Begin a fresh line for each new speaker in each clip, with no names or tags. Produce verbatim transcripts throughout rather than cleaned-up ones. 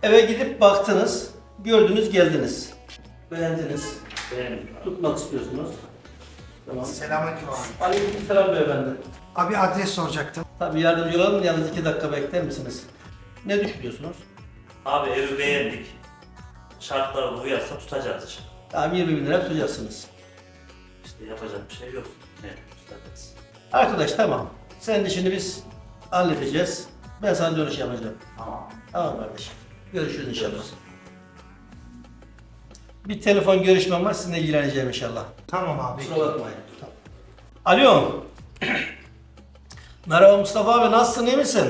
Eve gidip baktınız, gördünüz, geldiniz. Beğendiniz.
Beğendim.
Tutmak istiyorsunuz. Tamam.
Selamünaleyküm abi.
Aleykümselam beyefendi.
Abi adres soracaktım.
Tabii yardımcı olalım, yalnız iki dakika bekler misiniz? Ne düşünüyorsunuz?
Abi evi beğendik. Şartlara uyarsa tutacağız.
Tamam, yirmi bin lira tutacaksınız.
İşte yapacak bir şey yok. Ne tutacağız.
Arkadaş tamam. Senin işini biz halledeceğiz. Ben sana dönüş yapacağım.
Tamam.
Tamam kardeşim. Görüşürüz inşallah. Bir telefon görüşmem var, sizinle ilgileneceğim inşallah.
Tamam abi.
Kusura bakmayın. Alo. Merhaba Mustafa abi, nasılsın, iyi misin?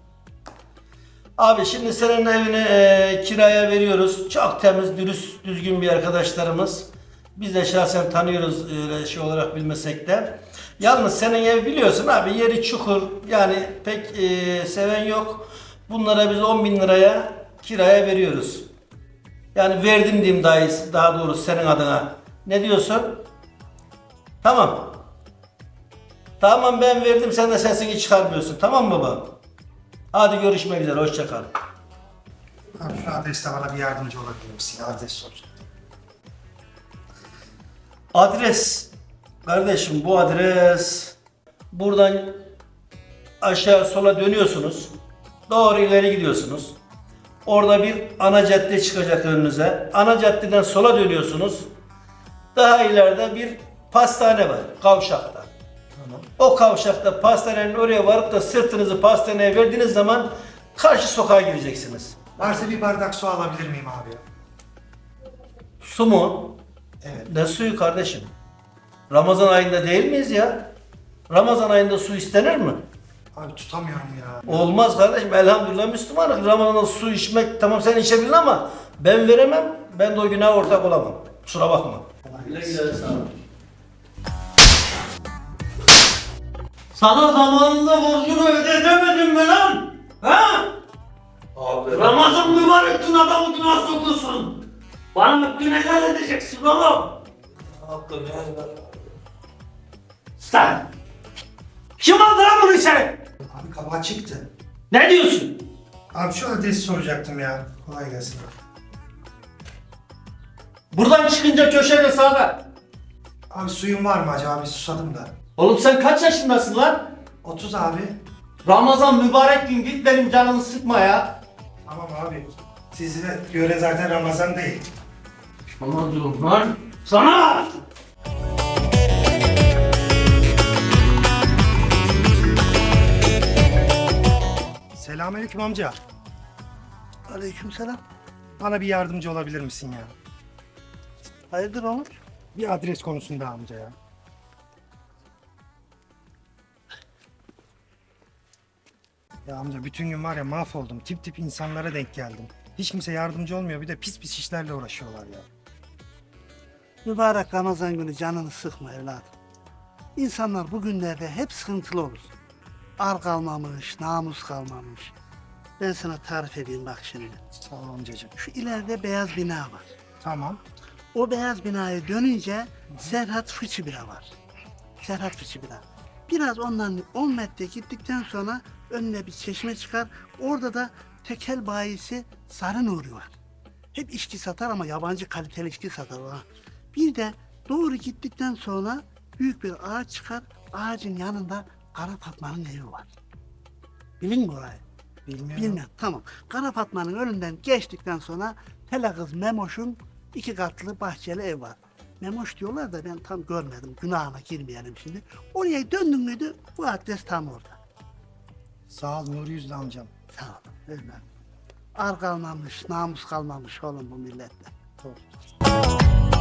Abi şimdi senin evini e, kiraya veriyoruz. Çok temiz, dürüst, düzgün bir arkadaşlarımız. Biz de şahsen tanıyoruz öyle şey olarak bilmesek de. Yalnız senin ev biliyorsun abi, yeri çukur. Yani pek e, seven yok. Bunlara biz on bin liraya kiraya veriyoruz. Yani verdim diyeyim daha, iyisi, daha doğrusu senin adına. Ne diyorsun? Tamam. Tamam ben verdim, sen de sesini çıkarmıyorsun. Tamam mı baba? Hadi görüşmek üzere, hoşça kal.
Abi şu adreste bana bir yardımcı olabilir misin? Adres soracaktım.
Adres. Kardeşim bu adres. Buradan aşağı sola dönüyorsunuz. Doğru ileri gidiyorsunuz. Orada bir ana cadde çıkacak önünüze. Ana caddeden sola dönüyorsunuz. Daha ileride bir pastane var kavşakta. O kavşakta pastanenin oraya varıp da sırtınızı pastaneye verdiğiniz zaman karşı sokağa gireceksiniz.
Varsa bir bardak su alabilir miyim abi?
Su mu?
Evet.
Ne suyu kardeşim? Ramazan ayında değil miyiz ya? Ramazan ayında su istenir mi?
Abi tutamıyorum ya.
Olmaz kardeşim, elhamdülillah Müslümanız. Ramazan'da su içmek tamam, sen içebilirsin ama ben veremem. Ben de o günaha ortak olamam. Kusura bakma. Güle güle, sağ ol.
Sana zamanında borcunu ödeyemedim mi lan? Ha?
Abi.
Ramazan mübarek gün adamı günah sokuyorsun. Bana hakkını helal edeceksin oğlum.
Hakkını helal.
Sen! Kim aldı lan bunu içeri?
Abi kabağa çıktı.
Ne diyorsun?
Abi şu adresi soracaktım ya. Kolay gelsin.
Buradan çıkınca köşede sağda.
Abi suyun var mı acaba? Bir susadım da.
Oğlum sen kaç yaşındasın lan?
otuz abi.
Ramazan mübarek gün, git benim canımı sıkma ya.
Tamam abi. Size göre zaten Ramazan değil.
Sana diyorum lan. Sana!
Selamünaleyküm amca.
Aleykümselam.
Bana bir yardımcı olabilir misin ya?
Hayırdır oğlum?
Bir adres konusunda amca ya. Ya amca bütün gün var ya mahvoldum. Tip tip insanlara denk geldim. Hiç kimse yardımcı olmuyor. Bir de pis pis işlerle uğraşıyorlar ya.
Mübarek Ramazan günü canını sıkma evladım. İnsanlar bu günlerde hep sıkıntılı olur. Ar kalmamış, namus kalmamış. Ben sana tarif edeyim bak şimdi.
Sağ ol amcacığım.
Şu ileride beyaz bina var.
Tamam.
O beyaz binaya dönünce Serhat Fıçı Bira var. Serhat Fıçı Bira. Biraz ondan on metre gittikten sonra önüne bir çeşme çıkar. Orada da tekel bayisi Sarı Nuri var. Hep içki satar ama yabancı kaliteli içki satar o ha. Bir de doğru gittikten sonra büyük bir ağaç çıkar. Ağacın yanında Kara Fatma'nın evi var. Bilin mi orayı?
Bilmiyorum.
Bilmem. Tamam. Kara Fatma'nın önünden geçtikten sonra Tele Kız Memoş'un iki katlı bahçeli ev var. Memoş diyorlar da ben tam görmedim. Günahına girmeyelim şimdi. Oraya döndün müydü bu adres tam orada.
Sağ ol Nuri Yüzlü amcam.
Sağ ol. Öyle. Ar kalmamış, namus kalmamış oğlum bu millette.
Doğru.